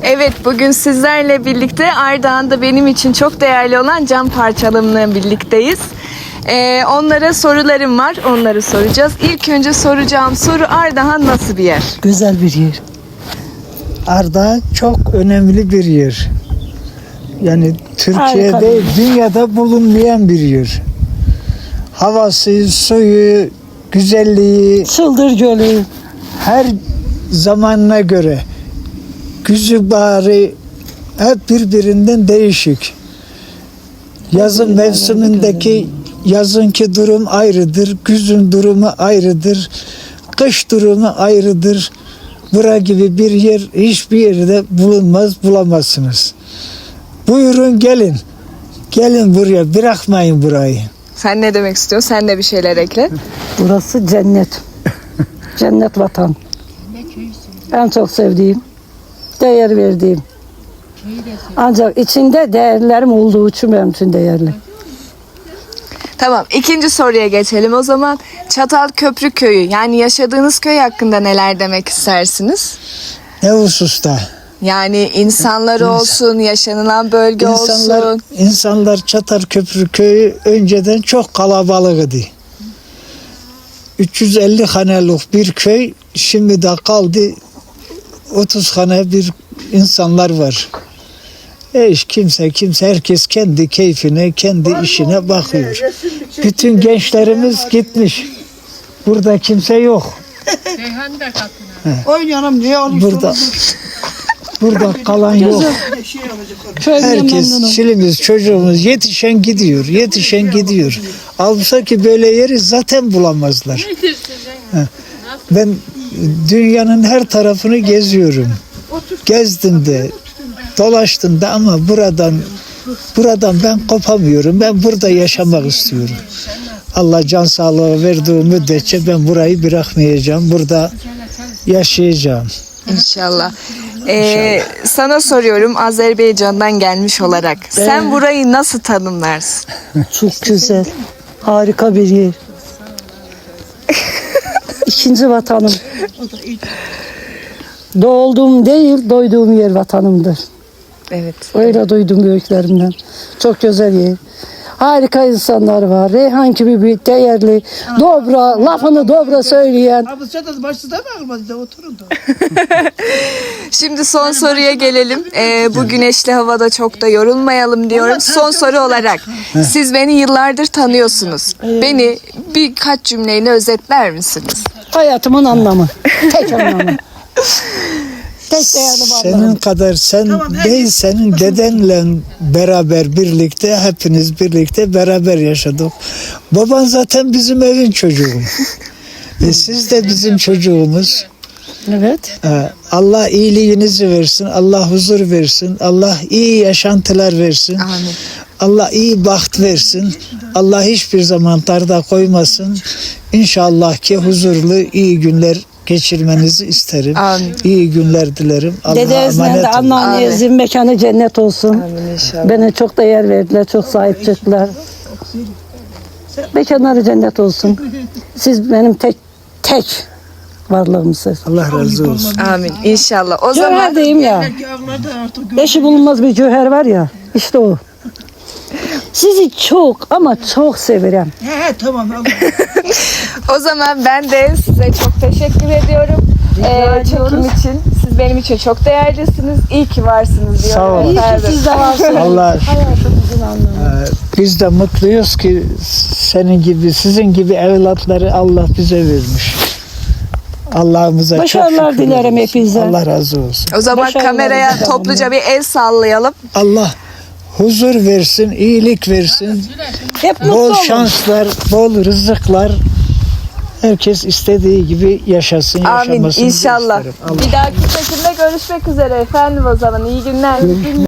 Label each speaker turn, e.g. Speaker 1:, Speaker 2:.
Speaker 1: Evet, bugün sizlerle birlikte Ardahan'da benim için çok değerli olan cam parçalarımla birlikteyiz. Onlara sorularım var, onları soracağız. İlk önce soracağım soru, Ardahan nasıl bir yer?
Speaker 2: Güzel bir yer. Ardahan çok önemli bir yer. Yani Türkiye'de, dünyada bulunmayan bir yer. Havası, suyu, güzelliği,
Speaker 3: Çıldır Gölü.
Speaker 2: her zamanına göre güzü bari hep birbirinden değişik. Yazın mevsimindeki yazınki durum ayrıdır, güzün durumu ayrıdır, kış durumu ayrıdır. Bura gibi bir yer hiçbir yerde bulunmaz, bulamazsınız. Buyurun gelin. Gelin buraya, bırakmayın burayı.
Speaker 1: Sen ne demek istiyorsun? Sen de bir şeyler ekle.
Speaker 3: Burası cennet. Cennet vatan. En çok sevdiğim, değer verdiğim. Ancak içinde değerlerim olduğu için benim için değerli.
Speaker 1: Tamam, ikinci soruya geçelim o zaman. Çatalköprü köyü, yani yaşadığınız köy hakkında neler demek istersiniz?
Speaker 2: Ne hususta?
Speaker 1: Yani insanları olsun, yaşanılan bölge olsun.
Speaker 2: İnsanlar Çatalköprü köyü önceden çok kalabalıktı. 350 hanelik bir köy, şimdi de kaldı 30 hane bir insanlar var. Kimse herkes kendi keyfine, kendi işine bakıyor. Bütün gençlerimiz gitmiş. Burada kimse yok.
Speaker 4: Oynayalım diye
Speaker 2: Burada kalan yok. Herkes, çilimiz, çocuğumuz yetişen gidiyor. Alsa ki böyle yeri zaten bulamazlar. Ben dünyanın her tarafını geziyorum. Gezdim de, dolaştım da ama buradan ben kopamıyorum. Ben burada yaşamak istiyorum. Allah can sağlığı verdiği müddetçe ben burayı bırakmayacağım. Burada yaşayacağım.
Speaker 1: İnşallah. Sana soruyorum, Azerbaycan'dan gelmiş olarak. Sen burayı nasıl tanımlarsın?
Speaker 3: Çok güzel. Harika bir yer. İkinci vatanım. Doğduğum değil, doyduğum yer vatanımdır.
Speaker 1: Evet.
Speaker 3: Öyle duydum büyüklerimden. Çok güzel yer. Harika insanlar var. Reyhan gibi bir değerli, dobra, lafını dobra söyleyen.
Speaker 4: Abi sen de başta mı almadı oturun da.
Speaker 1: Şimdi son soruya gelelim. Bu güneşli havada çok da yorulmayalım diyorum. Son soru olarak, siz beni yıllardır tanıyorsunuz. Beni birkaç cümleyle özetler misiniz?
Speaker 3: Hayatımın anlamı. Tek anlamı. Tek değerli
Speaker 2: Senin
Speaker 3: varlığım.
Speaker 2: kadar senin dedenle beraber birlikte, hepiniz birlikte beraber yaşadık. Baban zaten bizim evin çocuğu. Siz de bizim çocuğumuz.
Speaker 3: Evet.
Speaker 2: Allah iyiliğinizi versin, Allah huzur versin, Allah iyi yaşantılar versin.
Speaker 1: Amin.
Speaker 2: Allah iyi baht versin. Allah hiçbir zaman darda koymasın. İnşallah ki huzurlu, iyi günler geçirmenizi isterim.
Speaker 1: Amin.
Speaker 2: İyi günler dilerim. Allah'a
Speaker 3: Dedemizle de
Speaker 2: emanet olun.
Speaker 3: anneannenizin mekanı cennet olsun.
Speaker 1: Amin inşallah.
Speaker 3: Bana çok değer verdiler, çok sahip çıktılar. Mekanları cennet olsun. Siz benim tek varlığımsınız.
Speaker 2: Allah razı olsun.
Speaker 1: Amin inşallah. O
Speaker 3: Cöhert
Speaker 1: zaman
Speaker 3: diyeyim ya.
Speaker 4: Belki avladı artık.
Speaker 3: Eşi bulunmaz bir cöhert var ya. İşte o. Sizi çok ama çok severim.
Speaker 4: He tamam Allah.
Speaker 1: o zaman ben de size çok teşekkür ediyorum. Çekim için. Siz benim için çok değerlisiniz. İyi ki varsınız diyorum.
Speaker 2: Sağ olun.
Speaker 3: İyi ki
Speaker 1: efendim.
Speaker 3: siz de varsınız.
Speaker 2: Allah
Speaker 3: Hayatımızın anlamı.
Speaker 2: biz de mutluyuz ki sizin gibi evlatları Allah bize vermiş. Allah'ımıza çok
Speaker 3: Başarılar
Speaker 2: şükür
Speaker 3: dilerim
Speaker 2: ediyoruz.
Speaker 3: hepinize.
Speaker 2: Allah razı olsun.
Speaker 1: O zaman
Speaker 3: Başarılar
Speaker 1: kameraya
Speaker 3: dilerim.
Speaker 1: topluca bir el sallayalım.
Speaker 2: Allah huzur versin, iyilik versin.
Speaker 3: Hep mutlu
Speaker 2: Bol
Speaker 3: olun.
Speaker 2: şanslar, bol rızıklar. Herkes istediği gibi yaşasın,
Speaker 1: Amin
Speaker 2: yaşamasını
Speaker 1: inşallah.
Speaker 2: isterim. Allah
Speaker 1: Bir dahaki çekimde görüşmek üzere efendim o zaman. İyi günler.